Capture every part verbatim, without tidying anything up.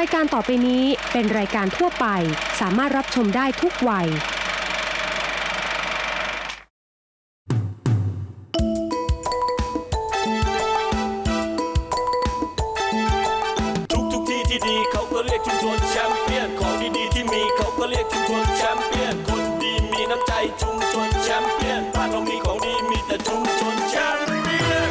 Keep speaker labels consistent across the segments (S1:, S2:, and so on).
S1: ายการต่อไปนี้เป็นรายการทั่วไปสามารถรับชมได้ทุกวัย
S2: ทุกทุกที่ที่ดีเขาก็เรียกชุมชนแชมเปี้ยนของดีๆที่มีเขาก็เรียกชุมชนแชมเปี้ยนคนดีมีน้ำใจชุมชนแชมเปี้ยนบ้านเรามีของดีมีแต่ชุมชนแชมเปี้ยน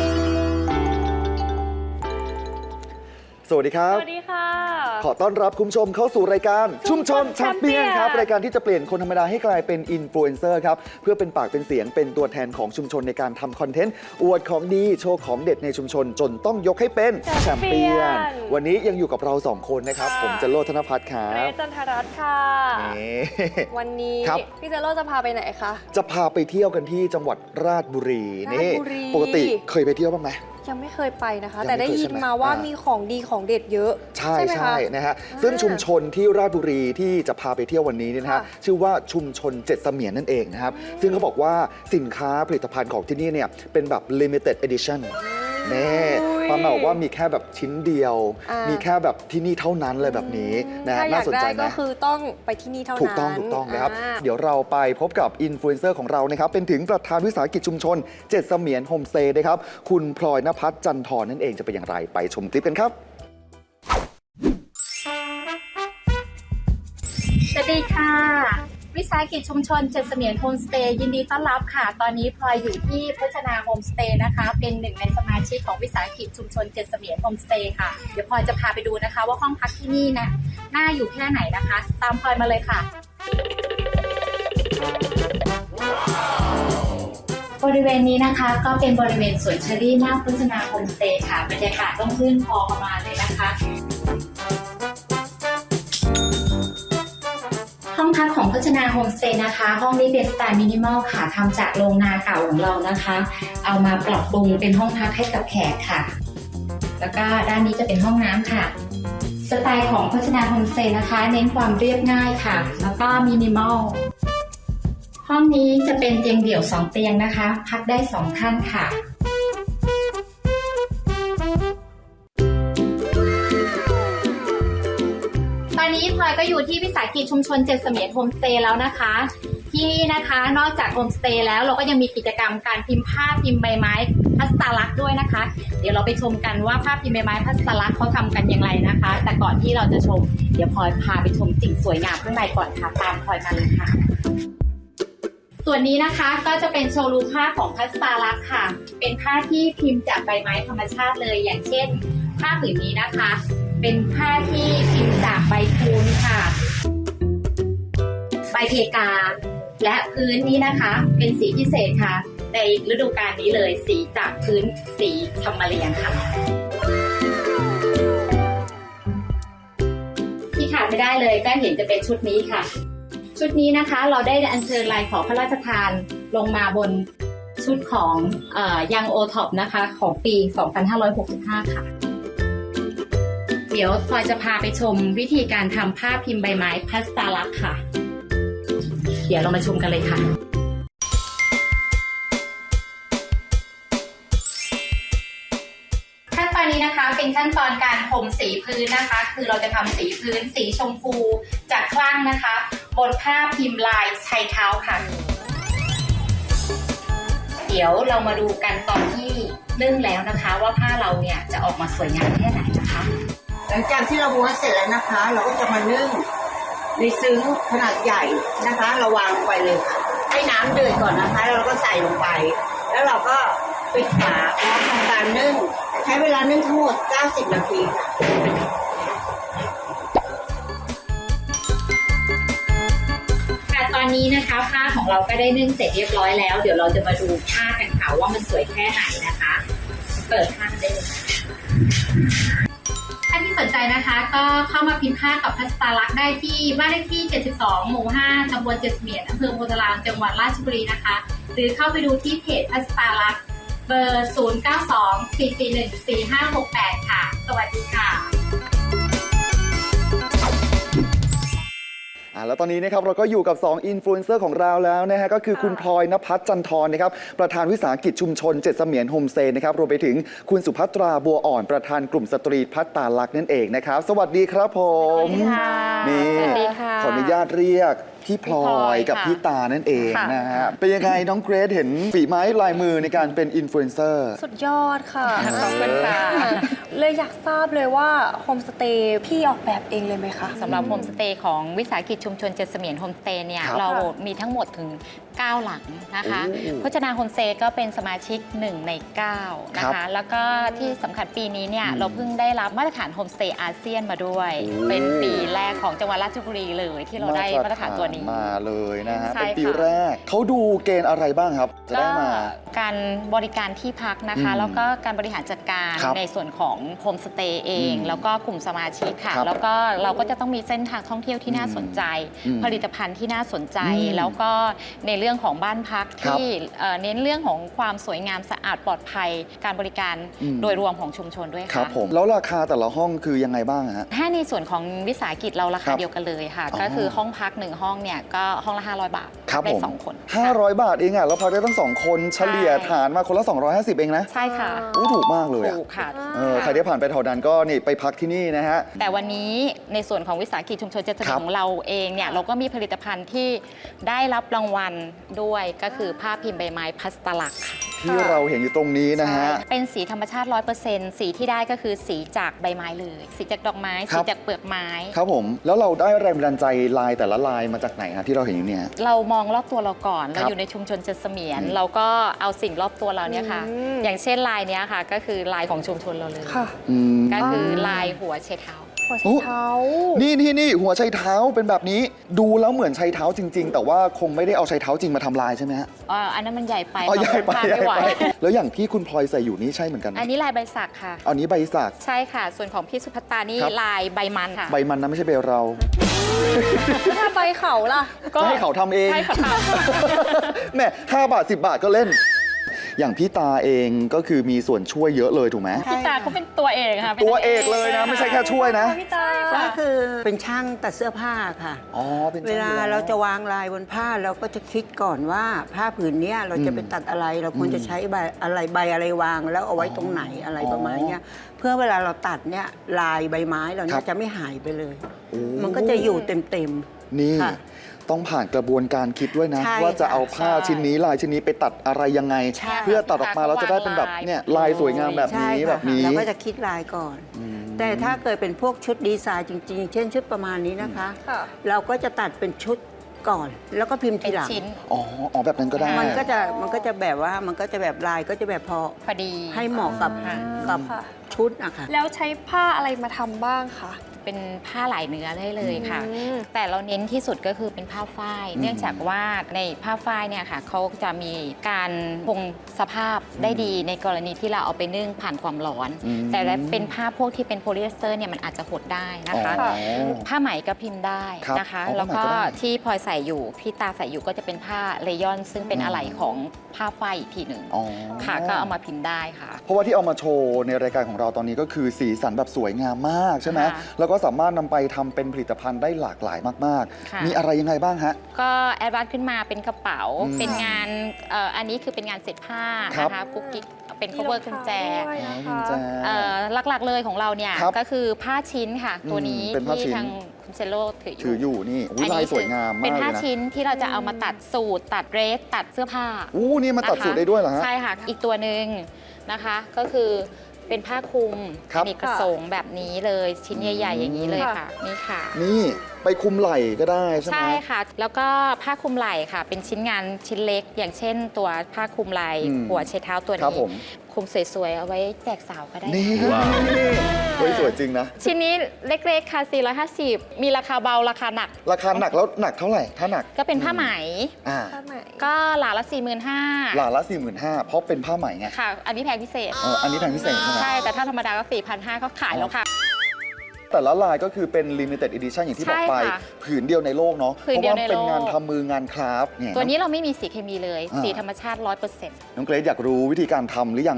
S3: สวัสดีครับ
S4: สวัสดีค่ะ
S3: ขอต้อนรับคุณผู้ชมเข้าสู่รายการชุมชนแชมเปี้ยนครับรายการที่จะเปลี่ยนคนธรรมดาให้กลายเป็นอินฟลูเอนเซอร์ครับเพื่อเป็นปากเป็นเสียงเป็นตัวแทนของชุมชนในการทำคอนเทนต์อวดของดีโชว์ของเด็ดในชุมชนจนต้องยกให้เป็นแชมเปี้ยนวันนี้ยังอยู่กับเราสองคนนะครับผมจโรจน์ ธนภัทรครับ
S4: เรจันทรัตน์ค่ะวันนี้พี่เจโร่จะพาไปไหนคะ
S3: จะพาไปเที่ยวกันที่จังหวัดราชบุรีนี่ปกติเคยไปเที่ยวบ้างไหม
S4: ยังไม่เคยไปนะคะแต่ได้ยินมาว่ามีของดีของเด็ดเยอะ
S3: ใช่ใช่นะฮะซึ่งชุมชนที่ราชบุรีที่จะพาไปเที่ยววันนี้เนี่ยนะฮะชื่อว่าชุมชนเจ็ดเสมียนนั่นเองนะครับซึ่งเขาบอกว่าสินค้าผลิตภัณฑ์ของที่นี่เนี่ยเป็นแบบ limited edition นี่ประมาณว่ามีแค่แบบชิ้นเดียวมีแค่แบบที่นี่เท่านั้นเลยแบบนี้นะน่าสนใจนะ
S4: ก็คือต้องไปที่นี่เท่านั้น
S3: ถูกต้องถูกต้องนะครับเดี๋ยวเราไปพบกับอินฟลูเอนเซอร์ของเรานะครับเป็นถึงประธานวิสาหกิจชุมชนเจ็ดเสมียนโฮมสเตย์นะครับคุณพลอยณภัทรจันทร์นั่นเองจะเป็นอย่างไรไปชมคลิปกันครับ
S5: สวัสดีค่ะวิสาหกิจชุมชนเจ็ดเสมียนโฮมสเตย์ยินดีต้อนรับค่ะตอนนี้พลอยอยู่ที่พจนาโฮมสเตย์นะคะเป็นหนึ่งในสมาชิกของวิสาหกิจชุมชนเจ็ดเสมียนโฮมสเตย์ค่ะเดี๋ยวพลอยจะพาไปดูนะคะว่าห้องพักที่นี่นะน่าอยู่แค่ไหนนะคะตามพลอยมาเลยค่ะบริเวณนี้นะคะก็เป็นบริเวณสวนเชอรี่หน้าพจนาโฮมสเตย์ค่ะบรรยากาศต้องรื่นพอประมาณเลยนะคะห้องพักของพจนาโฮมสเตย์นะคะห้องนี้เป็นสไตล์มินิมอลค่ะทำจากโรงนาเก่าของเรานะคะเอามาปรับปรุงเป็นห้องพักให้กับแขกค่ะแล้วก็ด้านนี้จะเป็นห้องน้ำค่ะสไตล์ของพจนาโฮมสเตย์นะคะเน้นความเรียบง่ายค่ะแล้วก็มินิมอลห้องนี้จะเป็นเตียงเดี่ยวสองเตียงนะคะพักได้สองท่านค่ะตอนนี้พลอยก็อยู่ที่วิสาหกิจชุมชนเจ็ดเสมียนโฮมสเตย์แล้วนะคะที่นี่นะคะนอกจากโฮมสเตย์แล้วเราก็ยังมีกิจกรรมการพิมพ์ภาพพิมพ์ใบไม้พัสตาลักษณ์ด้วยนะคะเดี๋ยวเราไปชมกันว่าภาพพิมพ์ใบไม้พัสตาลักษณ์เขาทำกันอย่างไรนะคะแต่ก่อนที่เราจะชมเดี๋ยวพลอยพาไปชมสิ่งสวยงามข้างในก่อนค่ะตามพลอยมาเลยค่ะส่วนนี้นะคะก็จะเป็นโชว์รูมผ้าของพัสตาลักษณ์ค่ะเป็นผ้าที่พิมพ์จากใบไม้ธรรมชาติเลยอย่างเช่นผ้าผืนนี้นะคะเป็นผ้าที่พิมพ์จากใบพูนค่ะใบเพกาและพื้นนี้นะคะเป็นสีพิเศษค่ะในฤดูกาลนี้เลยสีจากพื้นสีธรรมเรียงค่ะที่ขาดไม่ได้เลยก็เห็นจะเป็นชุดนี้ค่ะชุดนี้นะคะเราได้อัญเชิญลายขอพระราชทานลงมาบนชุดของเอ่อยังโอท็อปนะคะของปีสองพันห้าร้อยหกสิบห้าค่ะเดี๋ยวพลอยจะพาไปชมวิธีการทำผ้าพิมพ์ใบไม้พัสตาลักษณ์ค่ะเดี๋ยวเรามาชมกันเลยค่ะขั้นตอนนี้นะคะเป็นขั้นตอนการผมสีพื้นนะคะคือเราจะทำสีพื้นสีชมพูจากคลั่งนะคะบนผ้าพิมพ์ลายชายเท้าค่ะเดี๋ยวเรามาดูกันตอนที่นึ่งแล้วนะคะว่าผ้าเราเนี่ยจะออกมาสวยงามแค่ไหนนะคะ
S6: หลังจากที่เราม้วนเสร็จแล้วนะคะเราก็จะมานึ่งในซึ้งขนาดใหญ่นะคะเราวางลงไปเลยค่ะให้น้ำเดือดก่อนนะคะแล้วเราก็ใส่ลงไปแล้วเราก็ปิดฝาแล้วทำการนึ่งใช้เวลานึ่งทั้งหมดเก้าสิบนาทีค่ะ
S5: ค่ะตอนนี้นะคะผ้าของเราก็ได้นึ่งเสร็จเรียบร้อยแล้วเดี๋ยวเราจะมาดูผ้ากันค่ะว่ามันสวยแค่ไหนนะคะเปิดผ้าได้เลยถ้าที่สนใจนะคะก็เข้ามาพิมพ์ผ้ากับพัสตาลักษณ์ได้ที่บ้านเลขที่เจ็ดสิบสองหมู่ห้าตำบลเจ็ดเสมียนอำเภอโพธารามจังหวัดราชบุรีนะคะหรือเข้าไปดูที่เพจพัสตาลักษณ์เบอร์ศูนย์ เก้า สอง สี่ สี่ หนึ่ง สี่ ห้า หก แปดค่ะสวัสดีค่ะ
S3: เอาแล้วตอนนี้นะครับเราก็อยู่กับสองอินฟลูเอนเซอร์ของเราแล้วนะฮะก็คือคุณพลอยณภัสจันทร์นะครับประธานวิสาหกิจชุมชนเจ็ดเสมียนโฮมสเตย์นะครับรวมไปถึงคุณสุภัตราบัวอ่อนประธานกลุ่มสตรีพัฒตาลักษณ์นั่นเองนะครับสวัสดีครับผมนี่
S5: สวัสดีค่ะ
S3: ขออนุญาตเรียกพี่พลอยกับ
S5: ค่ะ
S3: พี่ตานั่นเอง
S5: ค่ะ
S3: นะฮะเป็นยังไงน้องเกรซเห็นฝีไม้ลายมือในการเป็นอินฟลูเอนเซอร์
S4: สุดยอดค่ะ
S5: ขอบคุณค่ะ
S4: เลยอยากทราบเลยว่าโฮมสเตย์พี่ออกแบบเองเลยไหมคะ
S5: สำหรับโฮมสเตย์ของวิสาหกิจชุมชนเจ็ดเสมียนโฮมสเตย์เนี่ย
S3: ครับ
S5: เรามีทั้งหมดถึง เก้า หลังนะคะ
S3: โอ้
S5: พจนาโฮมสเตย์ก็เป็นสมาชิกหนึ่งในเก้านะ
S3: ครั
S5: คะ
S3: บ
S5: แล้วก็ที่สำคัญปีนี้เนี่ย
S3: อืม
S5: เราเพิ่งได้รับมาตรฐานโฮมสเตย์อาเซียนมาด้วย
S3: โอ้
S5: เป็นปีแรกของจังหวัดราชบุรีเลยที่เราได้มาตรฐานตัวนี้
S3: มาเลยนะฮะ
S5: ใช่
S3: เป็นปี
S5: ค่ะ
S3: แรกเขาดูเกณฑ์อะไรบ้างครับ จะ
S5: ก็
S3: ได้มา
S5: การบริการที่พักนะคะ
S3: อืม
S5: แล้วก็การบริหารจัดการ
S3: ครับ
S5: ในส่วนของโฮมสเตย์เอง
S3: อืม
S5: แล้วก็กลุ่มสมาชิกค่ะ
S3: ครับ
S5: แล้วก็เราก็จะต้องมีเส้นทางท่องเที่ยวที่น่าสนใจ
S3: อืม
S5: ผลิตภัณฑ์ที่น่าสนใจ
S3: อืม
S5: แล้วก็ในเรื่องของบ้านพัก
S3: ครับ
S5: ที่เอ่อเน้นเรื่องของความสวยงามสะอาดปลอดภัย การบริการ
S3: อืม
S5: โดยรวมของชุมชนด้วย
S3: ครั
S5: ค่ะ
S3: บผมแล้วราคาแต่ละห้องคือยังไงบ้างฮะ
S5: ถ้าในส่วนของวิสาหกิจเรารา
S3: ครั
S5: คา
S3: บ
S5: เดียวกันเลยค่ะ
S3: อ๋อ
S5: ก็คือห้องพักหนึ่งห้องเนี่ยก็ห้องละห้าร้อยบาท
S3: ครับ
S5: ได้
S3: ผม
S5: สองคน
S3: ห้า
S5: ค่ะ
S3: ร้อยบาทเองอ่ะแล้วพักได้ตั้งสองคนเฉลี่ย
S5: ใช่
S3: ฐานมาคนละสองร้อยห้าสิบเองนะ
S5: ใช่ค่ะ
S3: อู้ถูกมากเลยอ่ะ
S5: ถูกค่ะ
S3: เออใครได้ผ่านไปแถวนั้นก็นี่ไปพักที่นี่นะฮะ
S5: แต่วันนี้ในส่วนของวิสาหกิจชุมชนเจ็ดเสมียนของเราเองเนี่ยเราก็มีผลิตภัณฑ์ที่ได้รับรางวัลด้วยก็คือผ้าพิมพ์ใบไม้พัสตลักษณ์ค่ะ
S3: ที่เราเห็นอยู่ตรงนี้นะฮะ
S5: ใช่เป็นสีธรรมชาติ ร้อยเปอร์เซ็นต์ สีที่ได้ก็คือสีจากใบไม้เลย สีจากดอกไม้
S3: ครั
S5: สี
S3: บ
S5: จากเปลือกไม้
S3: ครับผมแล้วเราได้แรงบันดาลใจลายแต่ละลายมาจากไหนฮะที่เราเห็นอยู่เนี่ย
S5: เรามองรอบตัวเราก่อน
S3: ครั
S5: เรา
S3: บ
S5: อยู่ในชุมชนเจ็ดเสมียน
S3: อืม
S5: เราก็เอาสิ่งรอบตัวเราเนี่ยค่ะ
S4: อืม
S5: อย่างเช่นลายเนี้ยค่ะ ก็คือลายของชุมชนเราเลย
S4: ค่ะ
S3: อืม
S5: ก็คือลายหัวเชเท้า
S4: หัว
S3: โอ้
S4: ไชเท้า
S3: นี่นี่นี่หัวไชเท้าเป็นแบบนี้ดูแล้วเหมือนไชเท้าจริง ๆ แต่ว่าคงไม่ได้เอาไชเท้าจริงมาทำลายใช่ไหมฮะ
S5: อ่าอันนั้นมันใหญ่ไป
S3: อ๋อใหญ่ไป
S5: ทาน
S3: ใหญ่
S5: ไม่ไหว
S3: ไปแล้วอย่างที่คุณพลอยใส่อยู่นี่ใช่เหมือนกันไหม
S5: อันนี้ลายใบสักค่ะ
S3: อันนี้ใบสัก
S5: ใช่ค่ะ ส่วนของพี่สุภัตตานี่
S3: ครับ
S5: ลายใบมันค่ะ
S3: ใบมันนะไม่ใช่ใบเรา
S4: ถ้าใบเขาล่ะ
S5: ก็
S3: ให้เขาทำเอง
S5: ให้เขาท
S3: แหม่ห้าบาทสิบบาทก็เล่น อย่างพี่ตาเองก็คือมีส่วนช่วยเยอะเลยถูกไหม
S5: พี่ตาเขาเป็นตัวเอกค่ะป็น
S3: ตัวเอกเลยนะ ไม่ใช่แค่ช่วยนะ
S4: พี่ตา
S6: ก็คือเป็นช่างตัดเสื้อผ้าค่ะ
S3: อ๋อเป็น
S6: เวลาเราจะวางลายบนผ้าเราก็จะคิดก่อนว่าผ้าผืนเนี้ยเราจะไปตัดอะไร เราควรจะใช้ใบอะไรใบอะไรวางแล้วเอาไว้ตรงไหนอะไรประมาณเนี้ยเพื่อเวลาเราตัดเนี่ยลายใบไม้เราเนี่ยจะไม่หายไปเลย
S3: โอ้
S6: มันก็จะอยู่เต็ม
S3: นี่
S6: ค่ะ
S3: ต้องผ่านกระบวนการคิดด้วยนะ
S6: ใช่
S3: ว่าจะ
S6: ค่ะ
S3: เอาผ้า
S5: ใช่
S3: ชิ้นนี้ลายชิ้นนี้ไปตัดอะไรยังไง
S6: ใช่
S3: เพื่อตัดออกมาเราจะได้เป็นแบบเนี่ยลายสวยงามแบบ
S6: ๆใช่
S3: นี้
S6: ค่ะ
S3: แบบนี้
S6: เราก็จะคิดลายก่อน
S3: อืม
S6: แต่ถ้าเกิดเป็นพวกชุดดีไซน์จริงๆ เช่นชุดประมาณนี้นะคะ
S4: ค่ะ
S6: เราก็จะตัดเป็นชุดก่อน แล้วก็พิมพ์
S5: เป็
S6: ที
S5: น
S6: หลัง
S5: ชิ้น
S3: อ๋ออ๋อแบบนั้นก็ได้
S6: มันก็จะมันก็จะแบบว่ามันก็จะแบบลายก็จะแบบพอ
S5: พอดี
S6: ให้เหมาะกับ
S5: ค่ะ
S6: กับ
S4: ค่ะ
S6: ชุดอะค่ะ
S4: แล้วใช้ผ้าอะไรมาทำบ้างคะ
S5: เป็นผ้าหลายเนื้อได้เลยค่ะ
S4: อืม
S5: แต่เราเน้นที่สุดก็คือเป็นผ้าฝ้าย เนื่องจากว่าในผ้าฝ้ายเนี่ยค่ะเขาจะมีการคงสภาพได้ดีในกรณีที่เราเอาไปนึ่งผ่านความร้อน
S3: อืม
S5: แต่ถ้าเป็นผ้าพวกที่เป็นโพลีเอสเตอร์เนี่ยมันอาจจะหดได้นะคะ
S3: อ๋อ
S5: ผ้าไหมก็พิมพ์ได้
S3: ครับ
S5: นะคะ
S3: อ๋อ
S5: แล้วก็
S3: ผ้าไหมก็ได้
S5: ที่พลอยใส่อยู่พี่ตาใส่อยู่ก็จะเป็นผ้าเลยอนซึ่งเป็น
S3: อืม
S5: อะไหล่ของผ้าฝ้ายอีกทีหนึ่ง
S3: อ๋อ
S5: ค่ะก็เอามาพิมพ์ได้ค่ะ
S3: เพราะว่าที่เอามาโชว์ในรายการของเราตอนนี้ก็คือสีสันแบบสวยงามมากใช่ไหม
S5: ค่ะ
S3: แล้วก็สามารถนำไปทำเป็นผลิตภัณฑ์ได้หลากหลายมาก
S5: ค่ะ
S3: ๆ มีอะไรยังไงบ้างฮะ
S5: ก็แอดวานซ์ขึ้นมาเป็นกระเป๋า
S3: อืม
S5: เป็นงานเอ่ออันนี้คือเป็นงานเสร็จผ้า
S3: ครับ
S5: นะคะกุ๊กกิ๊กเป็น cover กุญแจ
S4: ด้วย
S3: อ๋อ
S4: นะ
S3: กุญ
S4: คะ
S3: แจ
S5: เอ่อหลักๆเลยของเราเนี่ย
S3: ครับ
S5: ก็คือผ้าชิ้นค่ะ ตัวนี้
S3: อืมเป็นผ้าชิ้
S5: ที่
S3: น
S5: ทางคุณเซโลถืออยู่
S3: ถืออยู่นี่อุ๊ยลายสวยงามมาก
S5: เป็น
S3: เลย
S5: ผ้า
S3: นะ
S5: ชิ้นที่เราจะเอามาตัดสูทตัดเดรสตัดเสื้อผ้า
S3: อู้นี่มาตัด
S5: นะคะ
S3: สูตรได้ด้วยเหรอฮะ
S5: ใช่ค่ะ อีกตัวหนึ่งนะคะก็คือเป็นผ้าคลุม
S3: ครับ
S5: มีกระสงแบบนี้เลยชิ้นใหญ่ ๆ อย่างนี้เลย
S4: ค่ะ
S5: ค่ะนี่ค่ะ
S3: นี่ไปคุมไหล่ก็ได้ใช่ไหม
S5: ใช่ค่ะ แล้วก็ผ้าคลุมไหล่ค่ะ เป็นชิ้นงานชิ้นเล็ก อย่างเช่นตัวผ้าคลุมไหล่
S3: อืม
S5: หัวเช็ดเท้าตัว
S3: ครับ
S5: นี้
S3: ผม
S5: คลุมสวยๆ เอาไว้แจกสาวก็ได้
S3: นี่
S2: ว้าว
S3: เฮ้ยสวยจริงนะ
S5: ชิ้นนี้เล็กๆ ค่ะ สี่ร้อยห้าสิบ มีราคาเบา ราคาหนัก
S3: ราคาหนักแล้วหนักเท่าไหร่ ถ้าหนัก
S5: ก็เป็นผ้าไหม
S3: อ่า
S4: ผ้าไหม
S5: ก็หลาละ สี่หมื่นห้าพัน
S3: หลาละสี่หมื่นห้าเพราะเป็นผ้าไหมไง
S5: ค่ะ อันนี้แพงพิเศษ
S3: เอออันนี้แพงพิเศษใช่ไหม
S5: ใช่ แต่ถ้าธรรมดาก็ สี่พันห้าร้อย ก็ขายแล้วค่ะ
S3: แต่ละลายก็คือเป็น limited edition อย่างที่บอกไป
S5: ใช่ค่ะ
S3: ผืนเดียวในโลกเนาะ
S5: ผื
S3: เพ
S5: น
S3: ราะ
S5: เดียว
S3: ว่า
S5: ใน
S3: เป็น
S5: โลก
S3: งานทำมืองานคราฟต์เนี่ย
S5: ตัวนี้เราไม่มีสีเคมีเลย
S3: อ่า
S5: สีธรรมชาติ ร้อยเปอร์เซ็นต์
S3: น้องเกรซอยากรู้วิธีการทำหรือยังฮะ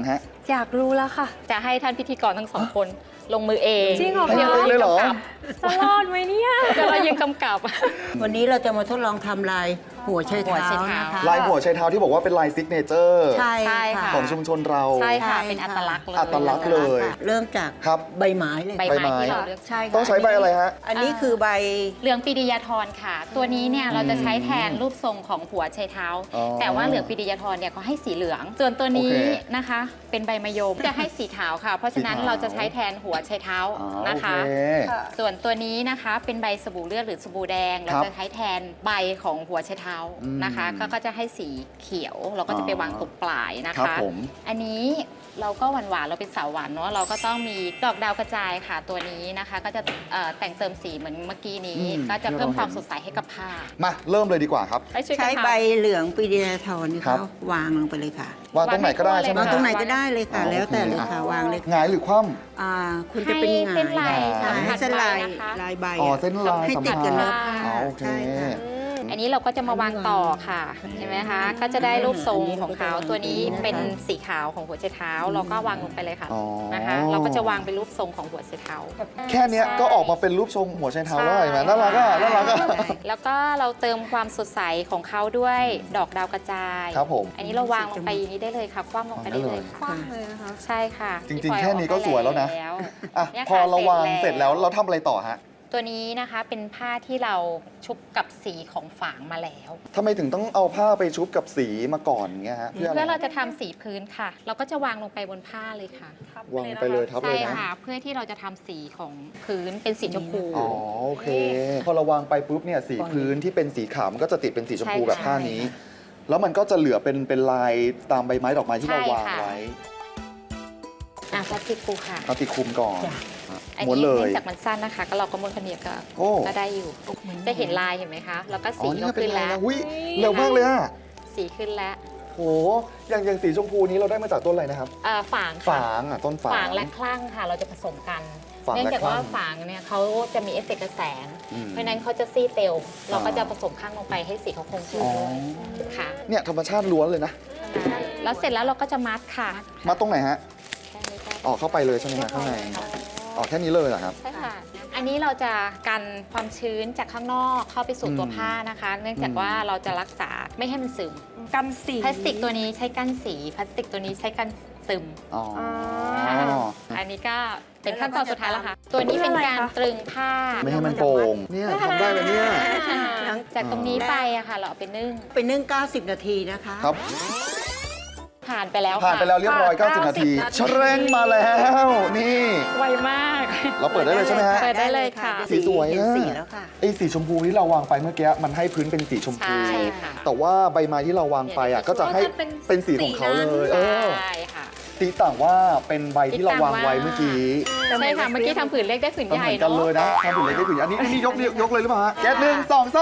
S4: อยากรู้แล้วค่ะ
S5: จะให้ท่านพิธีกรทั้งสองคนลงมือเอง
S4: จริงเหรอ
S3: ให้
S5: เดี๋ยว
S3: เองเลยเหรอ
S4: จะรอดไหมเนี่ย
S5: เดี๋ยวเรายังกำกับ
S6: วันนี้เราจะมาทดลองทำลายหัวไช
S5: หัว
S6: เท้า
S5: ไชเท้า
S6: นะคะ
S3: ลายหัวไชเท้าที่บอกว่าเป็นลายซิกเนเจอร์
S6: ใช่
S5: ใช่
S6: ค่ะ
S5: ค่ะ
S3: ของชุมชนเรา
S5: ใช่ค่ะ
S6: ใช่
S5: เป็นอัตลักษณ์เลย
S3: อัตลักษณ์เลย
S6: เริ่มจาก
S3: ครับ
S6: ใบไม้เลย
S5: ใบ
S3: ใบ
S5: ไม้
S3: ไม้
S5: ที่เราเลือก
S6: ใช่ค่ะ
S3: ต้องใช้ใบอะไรฮะ
S6: อันนี้คือใบ
S5: เหลืองปิดิยาธรค่ะ ตัวนี้เนี่ยเราจะใช้แทนรูปทรงของหัวไชเท้า
S3: อ๋อ
S5: แต่ว่าเหลืองปิดิยาธรเนี่ยเขาให้สีเหลือง ส่วนตัวนี้
S3: โอเค
S5: นะคะ เป็นใบมะยมจะให้สีขาวค่ะ เพราะฉะนั้น
S3: สีขาว
S5: เราจะใช้แทนหัวไชเท้า
S3: อ๋อ
S5: นะคะ
S3: โอเค
S5: ส่วนตัวนี้นะคะเป็นใบสบู่เลือดหรือสบู่แดง เรา
S3: ครับ
S5: จะใช้แทนใบของหัวไชเท้านะคะ
S3: อืม
S5: ก็ก็จะให้สีเขียว เราก็จะไปวางตรงปลายนะ
S3: ครั
S5: คะ
S3: บผม
S5: อันนี้เราก็หวานๆเราเป็นสาวหวานเนาะเราก็ต้องมีดอกดาวกระจายค่ะตัวนี้นะคะ ก็จะเอ่อแต่งเติมสีเหมือนเมื่อกี้นี้
S3: อืม
S5: ก็จะเพิ่ม
S3: ที่เรา
S5: ความ
S3: เห็น
S5: สดใสให้กับผ้า
S3: มาเริ่มเลยดีกว่าครับ
S5: ให้ช่วยกัน
S6: ใช้
S5: ทำ
S6: ใบเหลืองปีเดียทอนนี่
S3: ครั
S6: เขา
S3: บ
S6: วางลงไปเลยค่ะ
S3: วางตรงไหนก็ได้ใช่ไหม
S6: วาง
S3: ฮะ
S6: ตรงไหนก็ได้เลยค่ะ
S3: อ๋อ
S6: แล้วแต่เลย
S3: โอเค
S6: ค่ะวางเลย
S3: หงายหรือคว่
S6: อ่าคุณจะเป็นหงาย
S5: ให้เป็นลาย
S6: หงายให้
S5: สัมผัส
S6: เส้นลาย
S5: ใบนะคะ
S6: ลายใบ
S3: ำอ๋อเส้นลาย
S6: ให้
S3: สัม
S6: ติด
S3: พั
S6: กัน
S3: นธ์
S6: เนื้อผ้า
S3: อ๋อโอเค
S6: ใช่ค่ะ
S5: อันนี้เราก็จะมาวางต่อค่ะเห็นไหมคะ ก็จะได้รูปทรงของเขาตัวนี้เป็นสีขาวของหัวไชเท้า เราก็วางลงไปเลยค่ะ
S3: อ๋อ
S5: นะคะ เราก็จะวางเป็นรูปทรงของหัวไชเท้า
S3: แค่เนี้ยก็ออกมาเป็นรูปทรงหัวไชเท้าแล้วเห็นไหมน่ารักอ่ะน่ารักอ่ะ
S5: แล้วก็เราเติมความสดใสของเขาด้วยดอกดาวกระจาย
S3: ครับผม
S5: อันนี้เราวางลงไปอย่างนี้ได้เลยค่ะ คว่ำลงไปได้เลย
S4: คว้างเลยนะคะ
S5: ใช่ค่ะ
S3: จริงๆ
S5: ที่ปล่อย
S3: แค่นี้ก็สวยแล้วนะ
S5: ออกไป
S3: อ่ะ
S5: เนี่ย
S3: พอ
S5: ค่ะ
S3: เราวางเสร็จแล้วเราทำอะไรต่อฮะ
S5: ตัวนี้นะคะเป็นผ้าที่เราชุบกับสีของฝางมาแล้ว
S3: ทำไมถึงต้องเอาผ้าไปชุบกับสีมาก่อนเงี้ยฮะเพื่ออะ
S5: เพื่อ
S3: ไร
S5: เราจะทำสีพื้นค่ะ เราก็จะวางลงไปบนผ้าเลยค่ะ
S3: วางไปเลยทับเล
S5: ใช่
S3: ยนะ
S5: ค่ะ เพื่อที่เราจะทำสีของพื้นเป็นสีชมพู
S3: อ๋อโอเค พอเราวางไปปุ๊บเนี่ยสีพื้นที่เป็นสีขาวมันก็จะติดเป็นสีชมพู
S5: ใช่ค่ะ
S3: แบบผ้านี้ แล้วมันก็จะเหลือเป็นเป็นลายตามใบไม้ดอกไม้ที่เรา
S5: ใช่
S3: วาง
S5: ค่ะ
S3: ไว้
S5: อ่ะพลาสติกปูค่ะ
S3: เอาติดคลุมก่อน
S5: อัน
S3: ม้วน
S5: นี้
S3: เล
S5: เนื่
S3: ย
S5: องจากมันสั้นนะคะ ก็เราก็ม้วนขนีบก็
S3: โอ้
S5: ก็ได้อยู่ จะเห็นลายเห็นไหมคะ แล้วก็
S3: อ๋
S5: สี
S3: อนี่
S5: ก็
S3: ก็เป็น
S5: ขึ้น
S3: ลาย
S5: แล้ว
S3: แล้วอุ้ยเร็วมากเลยอะ
S5: สีขึ้นแล้ว
S3: โหอย่างอย่างสีชมพูนี้เราได้มาจากต้นอะไรนะครับ
S5: เอ่อฝางค่ะ
S3: ฝางอ่ะต้นฝาง
S5: ฝางและคลั่งค่ะ เราจะผสมกัน
S3: ฝางและ
S5: เนื่องจากว่า
S3: คลั่ง
S5: ฝางเนี่ยเขาจะมีเอฟเฟกต์กระแสง
S3: อืม
S5: เพราะฉะนั้นเขาจะซีดเร็ว เราก็
S3: อ่า
S5: จะผสมข้างลงไปให้สีเขาคงที่
S3: อ๋อ
S5: ด้วยค่ะ
S3: เนี่ยธรรมชาติล้วนเลยนะ
S5: แล้วเสร็จแล้วเราก็จะมัดค่ะ
S3: มาตรงไหนฮะ
S5: แค่นี้ก็
S3: ออกเข้าไปเลยใช่ไหมฮะข้างในออกแค่นี้เลยเหรอครับ
S5: ใช่ค่ะ อันนี้เราจะกันความชื้นจากข้างนอกเข้าไปสู่ตัว
S3: อืม
S5: ผ้านะคะ เนื่องจาก
S3: อืม
S5: ว่าเราจะรักษาไม่ให้มันซึม
S4: กันสี
S5: พลาสติกตัวนี้ใช้กันสี พลาสติกตัวนี้ใช้กันซึม
S3: อ๋อ
S5: ค่ะอันนี้ก็เป็นขั้นตอนสุดท้ายแล้วค่ะ ตัวนี้เป็นการตรึงผ้า
S3: ไม่ให้มันโป่งเนี่ยทำได้เลยเนี่ย
S5: หลังจากตรงนี้ไปอะค่ะ เราเอาไปนึ่ง
S6: ไปนึ่ง เก้าสิบ นาทีนะคะ
S3: ครับ
S5: ผ่านไปแล้ว
S3: ผ่านไปแล้วเรียบร้อย
S4: ผ่าน
S3: เก้าสิบ นาที
S4: เก้าสิบนาที
S3: ชะเร่งมาแล้ว นี่
S5: ไวมาก
S3: เราเปิดได้เลยใช่ไหมฮะ
S5: เปิดได้เลยค่ะ
S3: สีสวย
S6: เห็น
S3: นะ
S6: สีแล้วค่ะ
S3: ไอ้สีชมพูที่เราวางไปเมื่อกี้มันให้พื้นเป็นสีชมพู
S5: ใช่ค่ะ
S3: แต่ว่าใบไม้ที่เราวางไปอ่ะก็จะให้เป็นสีของเขาเลยเออ
S5: ใช่ค่ะ
S3: ตีต่างว่าเป็นใบที่เราวางไว้เมื่อกี้
S5: ใช่ค่ะ เมื่อกี้ทำผืนเล็กได้ผืน
S3: ก็
S5: ให
S3: เห
S5: ญ่
S3: มือนกัน
S5: เนาะ
S3: เลยนะทำถึงเล็กได้ถึงอันนี้อันนี้ยกยกเลยหรือเปล่าฮะแก๊สหนึ่งสองสาม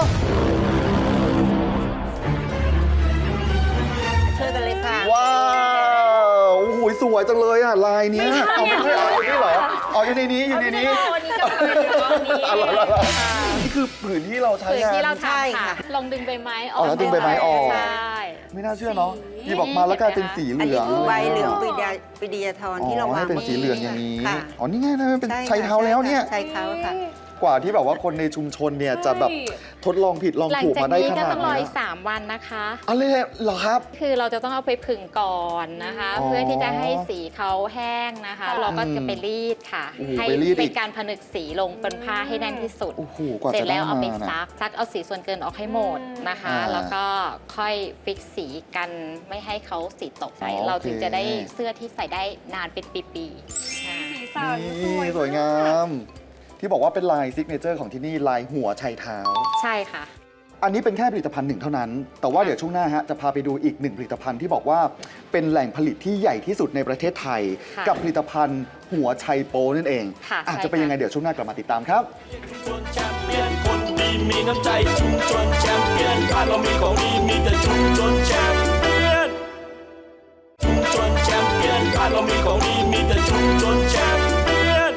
S6: ช่วยกันเลยค่ะ
S3: ว้าวโอ้โหสวยจังเลยอ่ะลายเนี้ยเอาไม่ใช่เอาอยู่นี่เหรอเอาอยู่ในนี้อยู่ในนี้
S5: วันนี้ก็เป็นวันนี้
S3: อะไรอะไรนี่คือผืนที่เราใช้
S5: ผืน
S3: งาน
S5: ที่เรา
S6: ใช่
S5: ทำค่ะ
S6: ค่ะ
S5: ลองดึงใบไม้อ
S3: อ๋
S5: อ
S3: อก แล้วดึงใบไม้ออก
S5: ใช่
S3: ไม่น่าเชื่อเนาะหยิบออกมาแล้วกลายเป็นสีเห
S6: อัน
S3: ลื
S6: นี้
S3: อง
S6: คือใบเหลือง
S3: ย
S6: ปีเดียปีเดียทอน
S3: อ๋
S6: ที่เรา
S3: อ
S6: วาง
S3: ให้เป็น
S6: ไว้
S3: สีเหลืองอย่างนี้
S6: ค่ะ
S3: อ๋อนี่ไงนะมันเป็น
S6: ใช่ค่ะ
S3: ใช้เท้าแล้วเนี่ย
S6: ใช้เท้าค่ะ
S3: กว่าที่แบบว่าคนในชุมชนเนี่ยจะแบบทดลองผิดลอง
S5: หลัง
S3: ถูก
S5: จาก
S3: มาได้
S5: นี้
S3: ข
S5: ก็
S3: นาด
S5: ต้องรอ
S3: นี้
S5: อีกสามวันนะคะ
S3: อะไรเหรอครับ
S5: คือเราจะต้องเอาไปผึ่งก่อนนะคะ
S3: อ๋อ
S5: เพื่อที่จะให้สีเขาแห้งนะคะ เราก็จะไปรีดค่ะ
S3: โอ้โห
S5: ให้
S3: ไปรีดอีก
S5: เป็นการผนึกสีลงบนผ้าให้แน่นที่สุด
S3: โอ้โหกว่า
S5: เสร็จ
S3: จะได้
S5: แล้วเอา
S3: มา
S5: ไป
S3: นะ
S5: ซักซักเอาสีส่วนเกินออกให้หมดนะคะ
S3: อ่า
S5: แล้วก็ค่อยฟิกสีกันไม่ให้เขาสีตกไป
S3: อ๋อ
S5: เราถึง
S3: โอเค
S5: จะได้เสื้อที่ใส่ได้นานเป็นปีๆอ่า
S4: สีสัน
S3: นี่สวยงาม ที่บอกว่าเป็นลายซิกเนเจอร์ของที่นี่ลายหัวไชเท้า
S5: ใช่ค่ะ
S3: อันนี้เป็นแค่ผลิตภัณฑ์หนึ่งเท่านั้น แต่ว่าเดี๋ยวช่วงหน้าฮะจะพาไปดูอีกหนึ่งผลิตภัณฑ์ที่บอกว่าเป็นแหล่งผลิตที่ใหญ่ที่สุดในประเทศไทย
S5: ค่ะ
S3: กับผลิตภัณฑ์หัวไชโปนั่นเอง
S5: ค่ะ
S3: อาจ
S5: ใช่
S3: จะเป็น
S5: ค่ะ
S3: ยังไงเดี๋ยวช่วงหน้ากลับมาติดตามครับ
S2: ชุมชนแชมเปี้ยนคนดีมีน้ำใจชุมชนแชมเปี้ยนบ้านเรามีของดีมีแต่ชุมชนแชมเปี้ยนชุมชนแชมเปี้ยนบ้านเรามีของดีมีแต่ชุมชนแชมเปี้ยน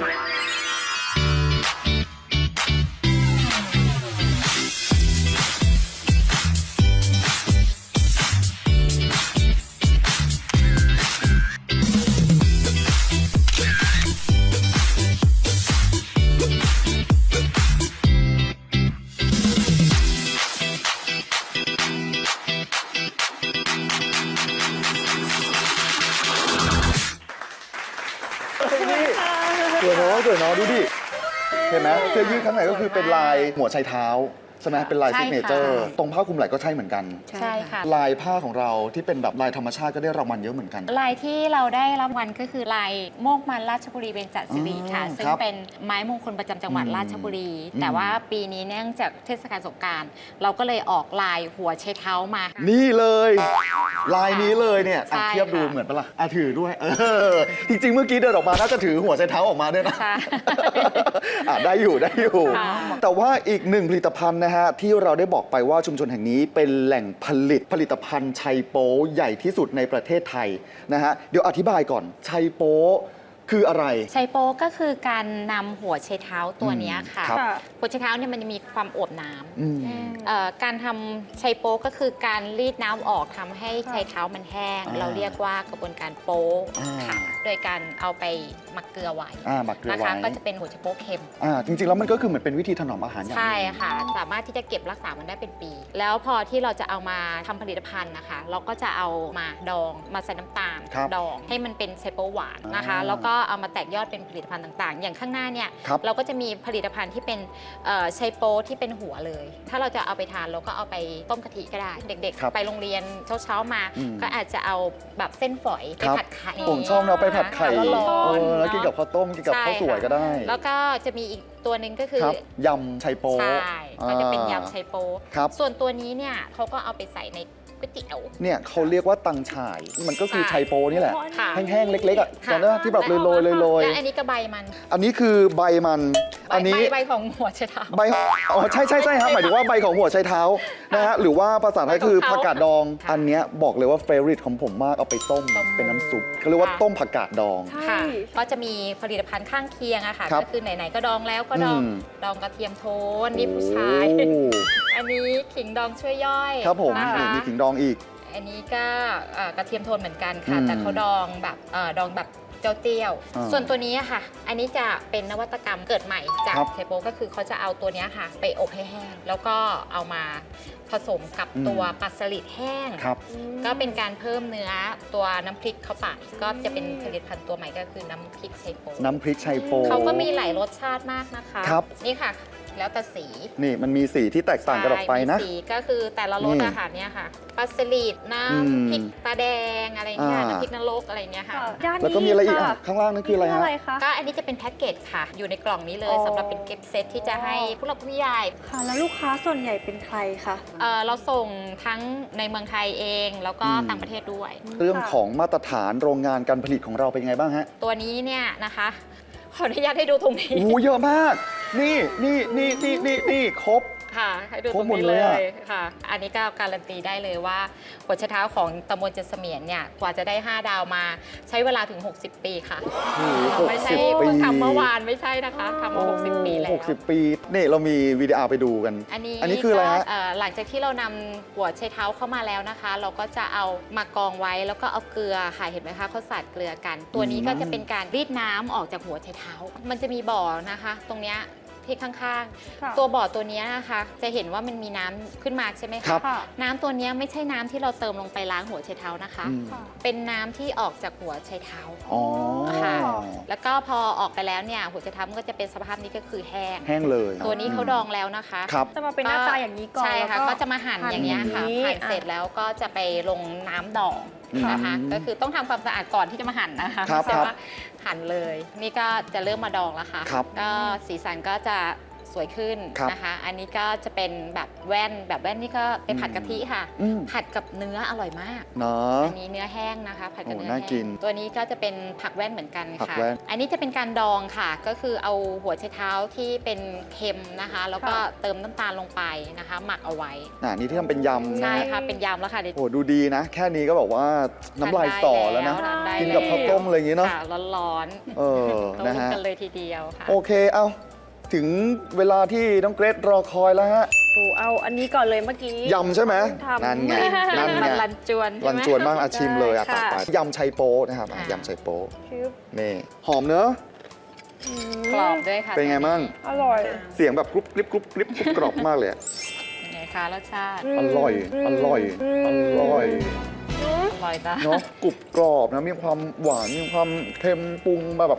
S3: เลยเนาะดูดิเห็นไหมเสื้อยืดข้างในก็คือเป็นลายหัวไชเท้าใช่ไหมเป็นลาย
S5: ใช่
S3: ซิกเน
S5: ค่ะ
S3: เจอร์ตรงผ้าคลุมไหล่ก็ใช่เหมือนกัน
S5: ใช่ค่ะ
S3: ลายผ้าของเราที่เป็นแบบลายธรรมชาติก็ได้รางวัลเยอะเหมือนกัน
S5: ลายที่เราได้รับรางวัลก็คือลายโมกมันราชบุรีเบญจศิริค่ะ
S3: อืม
S5: ซึ่ง
S3: ครับ
S5: เป็นไม้มงคลประจำจังหวัด
S3: อืม
S5: ราชบุรี
S3: อืม
S5: แต่ว่าปีนี้เนื่องจากเทศกาลสงกรานต์เราก็เลยออกลายหัวไชเท้ามา
S3: นี่เลยลายนี้เลยเนี่ย
S5: ใช่
S3: อ่ะเทียบดู
S5: ค่ะ
S3: เหมือนปะล่ะอ่ะถือด้วยเออจริงๆเมื่อกี้เดินออกมาน่าจะถือหัวไชเท้าออกมาด้วยนะ
S5: ใช่
S3: อ่ะได้อยู่ได้อยู่
S5: ค่ะ
S3: แต่ว่าอีกหนึ่งผลิตภัณฑ์นะฮะที่เราได้บอกไปว่าชุมชนแห่งนี้เป็นแหล่งผลิตผลิตภัณฑ์ไชโป๊ใหญ่ที่สุดในประเทศไทยนะฮะเดี๋ยวอธิบายก่อนไชโป๊คืออะไร
S5: ไชโป๊ก็คือการนำหัวไชเท้าตัวเนี้ยค่ะ
S3: ครับ
S5: หัวไชเท้าเนี่ยมันจะมีความอวบน้
S3: อืม
S5: ำเอ่อการทำไชโป๊ก็คือการรีดน้ำออกทำให้ไชเท้ามันแห้ง
S3: อ่า
S5: เราเรียกว่ากระบวนการโป๊
S3: อ่า
S5: ค่ะโดยการเอาไปหมักเกลือไว้
S3: อ่าหมักเกลือ
S5: นะคะ
S3: ไว้
S5: ก็จะเป็นหัวไชโป๊เค็ม
S3: อ่าจริงๆแล้วมันก็คือเหมือนเป็นวิธีถนอมอาหารอย่างหนึ่ง
S5: ใช่ค่ะ สามารถที่จะเก็บรักษามันได้เป็นปี แล้วพอที่เราจะเอามาทำผลิตภัณฑ์นะคะ เราก็จะเอามาดองมาใส่น้ำตาล
S3: ครับ
S5: ดองให้มันเป็นไชโป๊หวานนะคะ
S3: อ่า
S5: แล้วก็เอามาแตกยอดเป็นผลิตภัณฑ์ต่างๆ อย่างข้างหน้าเนี่ย
S3: ครับ
S5: เราก็จะมีผลิตภัณฑ์ที่เป็นเอ่อไชโป๊ที่เป็นหัวเลย ถ้าเราจะเอาไปทานเราก็เอาไปต้มกะทิก็ได้ เด็ก
S3: ครับ
S5: ๆ ไปโรงเรียนเช้าๆมา
S3: อืม
S5: ก็อาจจะเอาแบบเส้นฝอยไป
S3: ครับ
S5: ผัดไข่
S3: ผมชอบเราไปผัดไข่
S5: ร้อนๆ
S3: เออแล้วกินกับ
S5: เอะ
S3: ข้าวต้มกินกับ
S5: ใช่
S3: ข้าวสวยก็ได้
S5: ค่ะแล้วก็จะมีอีกตัวหนึ่งก็คือ
S3: ครับยำไชโป๊
S5: ใช่ก็จะเป็น
S3: อ่าย
S5: ำไชโป๊
S3: ครับ
S5: ส่วนตัวนี้เนี่ยเขาก็เอาไปใส่ในก๋วยเตี๋ยว
S3: เนี่ยเขาเรียกว่าตังฉ่าย มันก็คือ
S5: ใช่
S3: ไชโปนี่แหละ
S5: ค่ะ
S3: แห้งๆ เล็กๆอ่ะ
S5: ค่ะ
S3: ตอนนั้นที่แบบโรยๆโรย
S5: และอันนี้ก็ใบมัน
S3: ๆอันนี้คือใบมัน
S5: ใบ
S3: อันนี้
S5: ใบใบของหัวไชเท้า
S3: ใบอ๋อใช่ใช่ใช่ครับหมายถึงว่าใบของหัวไชเท้านะฮะหรือว่าภาษาไทยคือ
S5: ใบของเขา
S3: ผักกาดดอง
S5: ค่ะ
S3: อันเนี้ยบอกเลยว่าเฟร i ของผมมากเอาไปต้ม
S5: ต้ม
S3: เป็นน้ำซุปเขาเรียกว่า
S5: ค่ะ
S3: ต้มผักกาดดอง
S5: ค่ะ ก็จะมีผลิตภัณฑ์ข้างเคียงอะค่ะ
S3: ครับ
S5: ก็คือไหนๆก็ดองแล้วก็ดอง
S3: อืม
S5: ดองกระเทียมโทนนี่ผู้ชาย
S3: โอ้
S5: อันนี้ขิงดองช่วยย่อย
S3: ครับผม
S5: นะคะ
S3: นี่มีขิงดองอีก
S5: อันนี้ก็เอ่อกระเทียมโทนเหมือนกันค่ะ
S3: อืม
S5: แต่เขาดองแบบเอ่อดองแบบเจ้าเตี้ยว
S3: อ่า
S5: ส่วนตัวนี้อะค่ะ อันนี้จะเป็นนวัตกรรมเกิดใหม่จาก
S3: ครับ
S5: ไชโปก็คือเขาจะเอาตัวเนี้ยค่ะ ไปอบให้แห้ง แล้วก็เอามาผสมกับ
S3: อืม
S5: ตัวปลาสลิดแห้ง
S3: ครับ
S5: ก็เป็นการเพิ่มเนื้อตัวน้ำพริกเข้าไป ก็จะเป็นผลิตภัณฑ์ตัวใหม่ก็คือน้ำพริกไชโป
S3: น้ำพริกไชโป
S5: เขาก็มีหลายรสชาติมากนะคะ
S3: ครับ
S5: นี่ค่ะ แล้วแต่สี
S3: นี่มันมีสีที่แตกต่างกันออกไปนะ
S5: ใช่มีสีก็คือแต่ละรส
S3: นี่
S5: อาหารเนี่ยค่ะปลาสลิดน้
S3: อืม
S5: ำพริกตาแดงอะไรเงี้ย
S3: อ่า
S5: น้ำพริกนรกอะไรเงี้ยค่ะ
S4: ด้านนี้
S3: แล้วก็มีอะไรอีก
S4: ค่
S3: อ่ะข้างล่างนั่นคืออะไรฮะ
S4: คะ
S5: ก็อันนี้จะเป็นแพ็กเกจค่ะ อยู่ในกล่องนี้เลย
S4: อ๋อ
S5: สำหรับเป็นเก็บเซตที่จะให้ผู้หลักผู้ใหญ่
S4: ค่ะ แล้วลูกค้าส่วนใหญ่เป็นใครคะ
S5: เอ่อเราส่งทั้งในเมืองไทยเอง แล้วก็
S3: อืม
S5: ต่างประเทศด้วย
S3: เรื่องของมาตรฐานโรงงานการผลิตของเราเป็นยังไงบ้างฮะ
S5: ตัวนี้เนี่ยนะคะ ขออนุญาตให้ดูตรงนี้
S3: โอ้โหเยอะมาก นี่นี่นี่นี่นี่นี่ครบ
S5: ค่ะให้ดู
S3: คร
S5: ต
S3: บ
S5: รง
S3: หมด
S5: นี้
S3: เล
S5: เลย
S3: อะ
S5: ยค่ะ อันนี้ก็การันตีได้เลยว่าหัวไชเท้าของตำบลเจดเสมียนเนี่ยกว่าจะได้ห้าดาวมาใช้เวลาถึง หกสิบ ปีค่ะ
S3: โอ้โห
S5: ไม่ใช่
S3: หกสิบ
S5: เพิ่ง
S3: ปี
S5: ทำเมื่อวานไม่ใช่นะคะทำมา หกสิบ ปีแล้ว
S3: หกสิบปี นี่เรามีวิดีโอไปดูกัน
S5: อันนี้
S3: อันนี้คืออะไรฮะ
S5: ก็เอ่อหลังจากที่เรานำหัวไชเท้าเข้ามาแล้วนะคะ เราก็จะเอามากองไว้แล้วก็เอาเกลือค่ะเห็นไหมคะเขาสาดเกลือกัน ตัวนี้ก็จะเป็นการรีดน้ำออกจากหัวไชเท้า มันจะมีบ่อนะคะ ตรงเนี้ยที่ข้าง
S4: ค่ะ
S5: ๆ ตัวบ่อตัวเนี้ยนะคะ จะเห็นว่ามันมีน้ำขึ้นมาใช่ไหม
S3: ครั
S5: คะ
S3: บ
S4: ค่ะ
S5: น้ำตัวเนี้ยไม่ใช่น้ำที่เราเติมลงไปล้างหัวไชเท้านะคะ
S3: อืม
S5: เป็นน้ำที่ออกจากหัวไชเท้า
S3: อ๋อ
S5: ค่ะ แล้วก็พอออกไปแล้วเนี่ยหัวไชเท้ามันก็จะเป็นสภาพนี้ก็คือแห้ง
S3: แห้งเลย
S5: ตัวนี้เขาดองแล้วนะคะ
S3: ครับ
S4: จะมาเป็นหน้าตาอย่างนี้ก่อน
S5: ใช่ค่ะ
S4: แล้ว
S5: ก็จะมาหั่นอย่างเงี้ยค่ะ
S4: อย่างนี้
S5: หั่นเสร็จแล้วก็จะไปลงน้ำดองนะคะ
S3: อืม
S5: ก็คือต้องทำความสะอาดก่อนที่จะมาหั่นนะคะ
S3: ครับ
S5: ไม่ใช่
S3: ครับ
S5: ว่าหั่นเลย นี่ก็จะเริ่มมาดองแล้วค่ะ
S3: ครับ
S5: ก็สีสันก็จะสวยขึ้น
S3: ครับ
S5: นะคะ อันนี้ก็จะเป็นแบบแว่นแบบแว่นนี่ก็ไปผัดกะทิค่ะ
S3: อืม
S5: ผัดกับเนื้ออร่อยมาก
S3: เนาะ
S5: อันนี้เนื้อแห้งนะคะ ผัดกับ
S3: โอ้
S5: เนื้อ
S3: น่า
S5: แห้
S3: กิน
S5: งตัวนี้ก็จะเป็นผักแว่นเหมือนกัน
S3: ผัก
S5: ค่ะ
S3: แว่น
S5: อันนี้จะเป็นการดองค่ะ ก็คือเอาหัวไชเท้าที่เป็นเค็มนะคะ แล้วก็เติมน้ำตาลลงไปนะคะ หมักเอาไว้
S3: อ่านี่ที่ทำเป็นยำนะ
S5: ใช่
S3: ฮะ
S5: ค่ะ เป็นยำแล้วค่ะเดี๋ยว
S3: โอ้ดูดีนะ แค่นี้ก็บอกว่าน้ำลายสอแล้วนะ
S5: ทานได้
S3: กินกับข้าวต้มอะไรอย่างงี้เนาะ
S5: ค่ะร้อน
S3: เออ
S5: ๆ
S3: นะ
S5: ต้ม
S3: ฮะ
S5: กันเลยทีเดียวค่ะ
S3: โอเค เอาถึงเวลาที่น้องเกรซรอคอยแล้วฮะ
S4: ดูเอาอันนี้ก่อนเลยเมื่อกี้
S3: ยำใช่ไหม
S4: ทำ
S3: นั่นไง นั่นไง
S5: มันรันจวนใช่ไหม
S3: รันจวนมากอาชิมเลยอะ
S4: ได้
S3: ตัด
S4: ค่ะ
S3: ไปยำไชโป๊นะครับอ่ะ
S5: ค่ะ
S3: ยำไชโป๊
S4: คือ
S3: นี่หอมเนอะ
S4: อืม
S5: กรอบด้วยค่ะ
S3: เป็นไงมั่ง
S4: อร่อย
S3: เสียงแบบกรุบกริบกรุบกริบกรุบกรอบมากเลยอะ
S5: เป็นไงคะรสชาติ
S3: อร่อย อร่อย อร่อย
S5: อร่อยจ้ะ
S3: เนาะกรุบกรอบนะ มีความหวาน มีความเค็มปรุงมาแบบ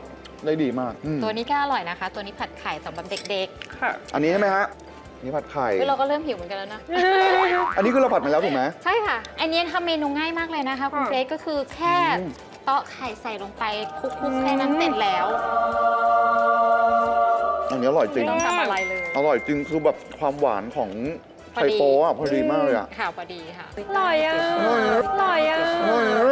S3: ได้ดีมากอืม
S5: ตัวนี้ก็อร่อยนะคะ ตัวนี้ผัดไข่สำหรับเด็ก
S4: ค่ะ
S3: อันนี้ใช่ไหมฮะนี่ผัดไข่
S5: ๆคือเราก็เริ่มหิวเหมือนกันแล้วนะ
S3: อันนี้คือเราผัดมาแล้วถูกไหม
S5: ใช่ค่ะ อันนี้ทำเมนูง่ายมากเลยนะคะคุณ
S4: ค่ะ
S5: เกรซก็คือแค่
S3: อืม
S5: เตาะไข่ใส่ลงไปคลุกๆแค่นั้นเสร็จแล้ว
S3: อันนี้อร่อยจริง
S4: ไม่ต้องทำอะไรเลย
S3: อร่อยจริงคือแบบความหวานของ
S5: พอ
S3: ไข่
S5: ดี
S3: โป๊ะอะพอดีมากเลยอะ
S5: ค่ะพอดีค่ะ
S4: อร่อยอ่ะ
S3: อร่อยอะ
S4: อร่อยอ่ะ
S3: อร่อยอะ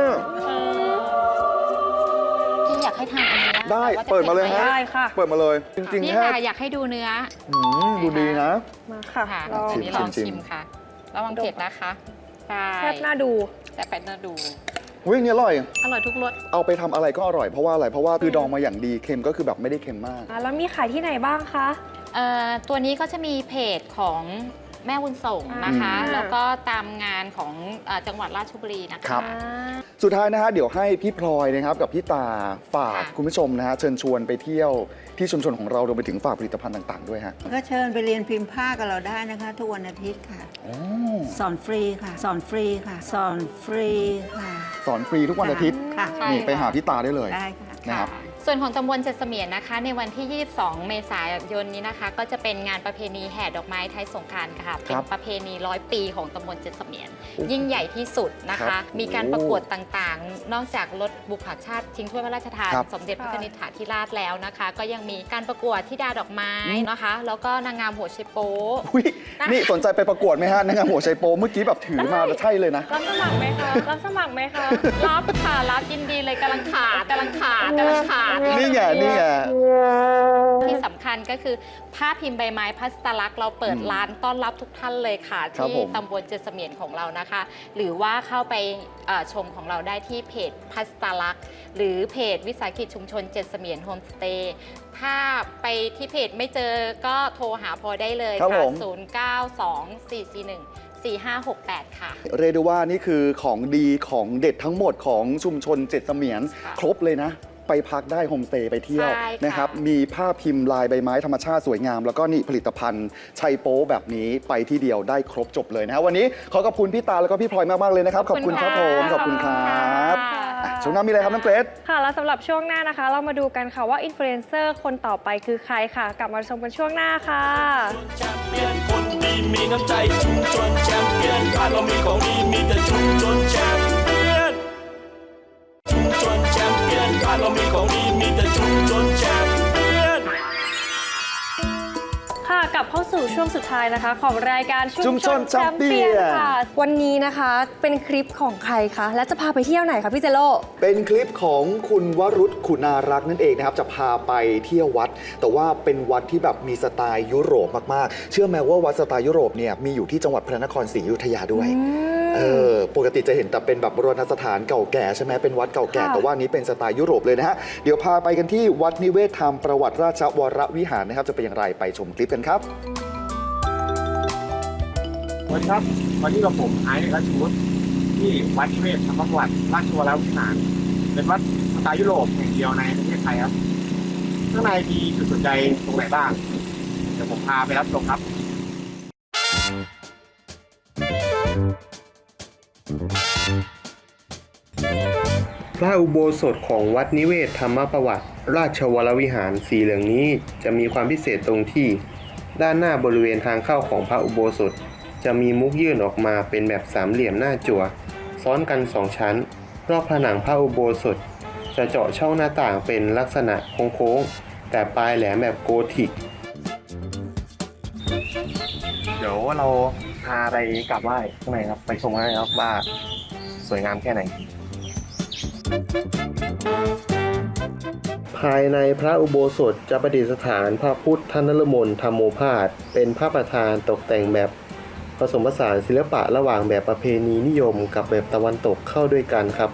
S5: พี่อยากให้ทานอันนี้นะ
S3: ได้
S5: แต่ว่าจะ
S3: เปิดมาเลย
S5: ผ็
S3: ฮะ
S5: ไห
S4: ได้ค่ะ
S3: เปิดมาเลยจริง
S5: นี่
S3: ๆแค่
S5: ค่ะอยากให้ดูเนื้อ
S3: อืมดูดีนะ
S4: มาค่ะ
S5: ค่ะ
S4: ลอง
S5: อันนี้ลอง
S3: ชิม
S5: ชิมค่ะ ระวังเผ็ดนะคะใช่
S4: แซ่บน่าดู
S5: แต่เป็ดน่าดู
S3: อุ้ยอันนี่อร่อย
S5: อร่อยทุกรส
S3: เอาไปทำอะไรก็อร่อยเพราะว่าอะไรเพราะว่าคือดองมาอย่างดีเค็มก็คือแบบไม่ได้เค็มมาก
S4: อ่ะแล้วมีขายที่ไหนบ้างคะ
S5: เอ่อตัวนี้ก็จะมีเพจของแม่บุญส่งนะคะ
S4: อ่า
S5: แล้วก็ตามงานของเอ่อจังหวัดราชบุรีนะคะ
S3: ครับ
S4: อ่า
S3: สุดท้ายนะฮะเดี๋ยวให้พี่พลอยนะครับกับพี่ตาฝาก
S5: ค่ะ
S3: คุณผู้ชมนะฮะเชิญชวนไปเที่ยวที่ชุมชนของเรารวมไปถึงฝากผลิตภัณฑ์ต่าง ๆ ด้วยฮะ
S6: ก็เชิญไปเรียนพิมพ์ผ้ากับเราได้นะคะ ทุกวันอาทิตย์ค่ะ
S3: โอ้
S6: สอนฟรีค่ะ สอนฟรีค่ะ สอนฟรีค่ะ
S3: สอนฟรีทุกวันอาทิตย์
S6: ค่ะ
S5: ใช่
S3: นี่ไปหาพี่ตาได้เลย
S6: ได้ค่ะ
S3: นะครับ
S5: ส่วนของตำบลเจ็ดเสมียนนะคะ ในวันที่ ยี่สิบสอง เมษายนนี้นะคะ ก็จะเป็นงานประเพณีแห่ดอกไม้ไทยสงกรานต์ค่ะ เป็นประเพณีร้อยปีของตำบลเจ็ดเสมียน ยิ่งใหญ่ที่สุดนะ
S3: ครั
S5: คะ
S3: บ
S5: มีการประกวดต่างๆ นอกจากรถบุพชาติชิงถ้วยพระราชทาน
S3: ครับ
S5: สมเด็จพระนิธิถาธิราชแล้วนะคะ ก็ยังมีการประกวดธิดาดอกไม้นะคะ แล้วก็นางงามหัวไชโป๊
S3: อุ๊ยนี่สนใจไปประกวดไหมฮะนางงามหัวไชโปเมื่อกี้แบบถือมาแล้วใช่เลยนะ
S4: รับสมัครไหมคะ รับสมัครไหมคะ
S5: รับค่ะรับยินดีเลยกำลังขาดกำลังขาดกำลังขาด
S3: นี่ไงนี่ไง
S5: ที่สำคัญก็คือผ้าพิมพ์ใบไม้พัสตลักษณ์เราเปิด
S3: อืม
S5: ร้านต้อนรับทุกท่านเลยค่ะ
S3: ครับ
S5: ที่
S3: ผม
S5: ตำบลเจ็ดเสมียนของเรานะคะ หรือว่าเข้าไปเอ่อชมของเราได้ที่เพจพัสตลักษณ์หรือเพจวิสาหกิจชุมชนเจ็ดเสมียนโฮมสเตย์ถ้าไปที่เพจไม่เจอก็โทรหาพอได้เลย
S3: ครับ
S5: ค่ะ
S3: ผม
S5: ศูนย์ เก้า สอง สี่ สี่ หนึ่ง สี่ ห้า หก แปด ค่ะ
S3: เรียกได้ว่านี่คือของดีของเด็ดทั้งหมดของชุมชนเจ็ดเสมียน
S5: ค่ะ
S3: ครบเลยนะ ไปพักได้โฮมสเตย์ไปเที่ยว
S5: ใช่ค่ะ
S3: นะครับมีผ้าพิมพ์ลายใบไม้ธรรมชาติสวยงาม แล้วก็นี่ผลิตภัณฑ์ชัยโป๊แบบนี้ไปที่เดียวได้ครบจบเลยนะฮะวันนี้ขอขอบคุณพี่ตาแล้วก็พี่พลอยมาก ๆ เลยนะครับ ขอบคุณครับผมขอบคุณครับอ่ะช่วงหน้ามีอะไรครับน้องเกรซ
S4: ค่ะ แล้วสำหรับช่วงหน้านะคะ เรามาดูกันค่ะว่าอินฟลูเอนเซอร์คนต่อไปคือใครค่ะ กลับมาชมกันช่วงหน้าค่ะ
S2: แชมเปี้ยนคนดีมีน้ำใจชุมชนแชมเปี้ยนบ้านเรามีของดีมีแต่ชุมชนแชมเปี้ยนชุมชนแชมเปี้ยนบ้านเรามีของดีมีแต่ชุมชนแชมเปี้ยน
S4: ค่ะกลับเข้าสู่ช่วงสุดท้ายนะคะของรายการ
S3: ชุมชนแชมเปี้ยน
S4: ค่ะ วันนี้นะคะเป็นคลิปของใครคะและจะพาไปเที่ยวไหนคะพี่เจโร่
S3: เป็นคลิปของคุณวรุษคุณารักษ์นั่นเองนะครับจะพาไปเที่ยววัด แต่ว่าเป็นวัดที่แบบมีสไตล์ยุโรปมากๆ เชื่อไหมว่าวัดสไตล์ยุโรปเนี่ยมีอยู่ที่จังหวัดพระนครศรีอยุธยาด้วยเออปกติจะเห็นแต่เป็นแบบโบราณสถานเก่าแก่ใช่ไหมเป็นวัดเก่าแก่
S4: ค่ะ
S3: แต่ว่านี้เป็นสไตล์ยุโรปเลยนะฮะเดี๋ยวพาไปกันที่วัดนิเวศธรรมประวัติราชวรวิหารนะครับจะเป็นอย่างไรไปชมคลิปกันครับ
S7: สวัสดีครับวันนี้กับผมไอซ์รัชวุฒิที่วัดนิเวศธรรมประวัติราชวรวิหารเป็นวัดสไตล์ยุโรปแห่งเดียวในประเทศไทยครับข้างในมีจุดสนใจตรงไหนบ้าง เดี๋ยวผมพาไปรับชมครับ
S8: พระอุโบสถของวัดนิเวศธรรมประวัติราชวรวิหารสีเหลืองนี้จะมีความพิเศษตรงที่ด้านหน้าบริเวณทางเข้าของพระอุโบสถจะมีมุกยื่นออกมาเป็นแบบสามเหลี่ยมหน้าจั่วซ้อนกันสองชั้นรอบผนังพระอุโบสถจะเจาะช่องหน้าต่างเป็นลักษณะโค้งๆแต่ปลายแหลมแบบโกธิก เดี๋ยวเราพาไปกราบไหว้ข้างในครับไปชมกันนะครับว่าสวยงามแค่ไหน ภายในพระอุโบสถจะประดิษฐานพระพุทธนรมนธรรมโอภาสเป็นพระประธานตกแต่งแบบผสมผสานศิลปะระหว่างแบบประเพณีนิยมกับแบบตะวันตกเข้าด้วยกันครับ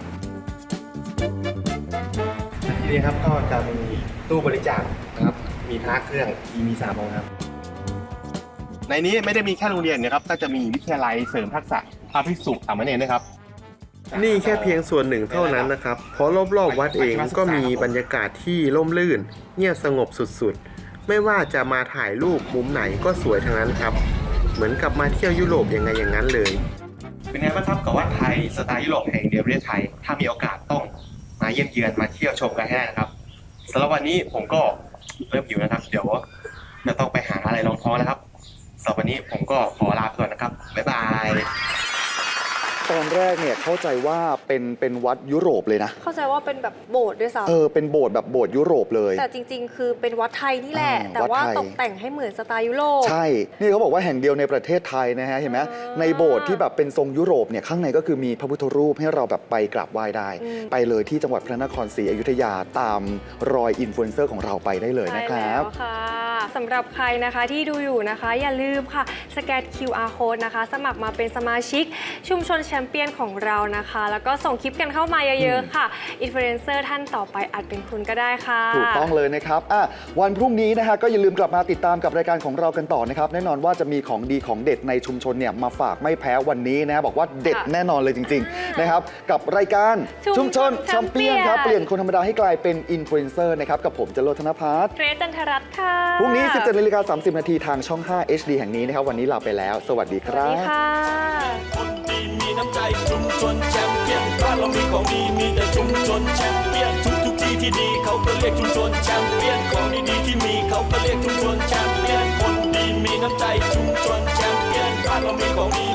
S8: ทีนี้ครับก็จะมีตู้บริจาคนะครับมีพระเครื่องมีสามองค์ครับในนี้ไม่ได้มีแค่โรงเรียนนะครับก็จะมีวิทยาลัยเสริมทักษะพระภิกษุสามเณรด้วยครับนี่แค่เพียงส่วนหนึ่งเท่านั้นนะครับเพราะรอบๆวัดเองก็มีบรรยากาศที่ร่มรื่นเงียบสงบสุดๆไม่ว่าจะมาถ่ายรูปมุมไหนก็สวยทั้งนั้นครับเหมือนกับมาเที่ยวยุโรปยังไงอย่างนั้นเลยเป็นไงบ้างครับกับวัดไทยสไตล์ยุโรปแห่งเดียวประเทศไทยถ้ามีโอกาสต้องมาเยี่ยมเยือนมาเที่ยวชมกันให้ได้นะครับสำหรับวันนี้ผมก็เริ่มหิวนะครับ เดี๋ยวจะต้องไปหาอะไรรองท้องแล้วครับสำหรับวันนี้ผมก็ขอลาไปก่อนนะครับบ๊ายบาย
S3: ตอนแรกเนี่ยเข้าใจว่าเป็นเป็นวัดยุโรปเลยนะ
S4: เข้าใจว่าเป็นแบบโบสถ์ด้วยซ้ำ
S3: เออเป็นโบสถ์แบบโบสถ์ยุโรปเลย
S4: แต่จริง ๆ คือเป็นวัดไทยนี่แหละ
S3: อ่า
S4: แต่ว่า
S3: วัดไทย
S4: ตกแต่งให้เหมือนสไตล์ยุโรป
S3: ใช่ นี่เขาบอกว่าแห่งเดียวในประเทศไทยนะฮะเห็นไหม
S4: อ่า
S3: ในโบสถ์ที่แบบเป็นทรงยุโรปเนี่ยข้างในก็คือมีพระพุทธรูปให้เราแบบไปกราบไหว้ได้
S4: อืม
S3: ไปเลยที่จังหวัดพระนครศรีอยุธยาตามรอยอินฟลูเอนเซอร์ของเราไปได้เลยนะครับ
S4: ใช่แล้วค่ะสำหรับใครนะคะที่ดูอยู่นะคะ อย่าลืมค่ะสแกน คิว อาร์ Code นะคะ สมัครมาเป็นสมาชิกชุมชนแชมเปี้ยนของเรานะคะ แล้วก็ส่งคลิปกันเข้ามาเยอะๆค่ะอินฟลูเอนเซอร์ท่านต่อไปอาจเป็นคุณก็ได้ค่ะ
S3: ถูกต้องเลยนะครับอ่ะวันพรุ่งนี้นะฮะก็อย่าลืมกลับมาติดตามกับรายการของเรากันต่อนะครับ แน่นอนว่าจะมีของดีของเด็ดในชุมชนเนี่ยมาฝากไม่แพ้วันนี้นะฮะบอกว่าเด็ด
S4: ค่ะ
S3: แน่นอนเลยจริงๆนะครับกับรายการ
S4: ชุมชน
S3: แชมเปี้ยนครับ
S4: แชมเปี้ยน
S3: เปลี่ยนคนธรรมดาให้กลายเป็นอินฟลูเอนเซอร์นะครับกับผมจรดธนภัทร
S4: เกรซจันทรัตน์ค่ะ
S3: พรุ่งนี้ สิบเจ็ดนาฬิกาสามสิบนาทีทางช่อง ห้า เอช ดี แห่งนี้นะครับวันนี้ลาไปแล้ว สวัสดีค
S4: สวัส
S3: รั
S4: ดี
S3: บ
S4: ค่ะ
S2: คนดีมีน้ำใจชุมชนแชมเปี้ยนบ้านเรามีของดีมีแต่ชุมชนแชมเปี้ยนทุกทุกที่ที่ดีเขาก็เรียกชุมชนแชมเปี้ยนของดีๆที่มีเขาก็เรียกชุมชนแชมเปี้ยนคนดีมีน้ำใจชุมชนแชมเปี้ยนบ้านเรามีของดี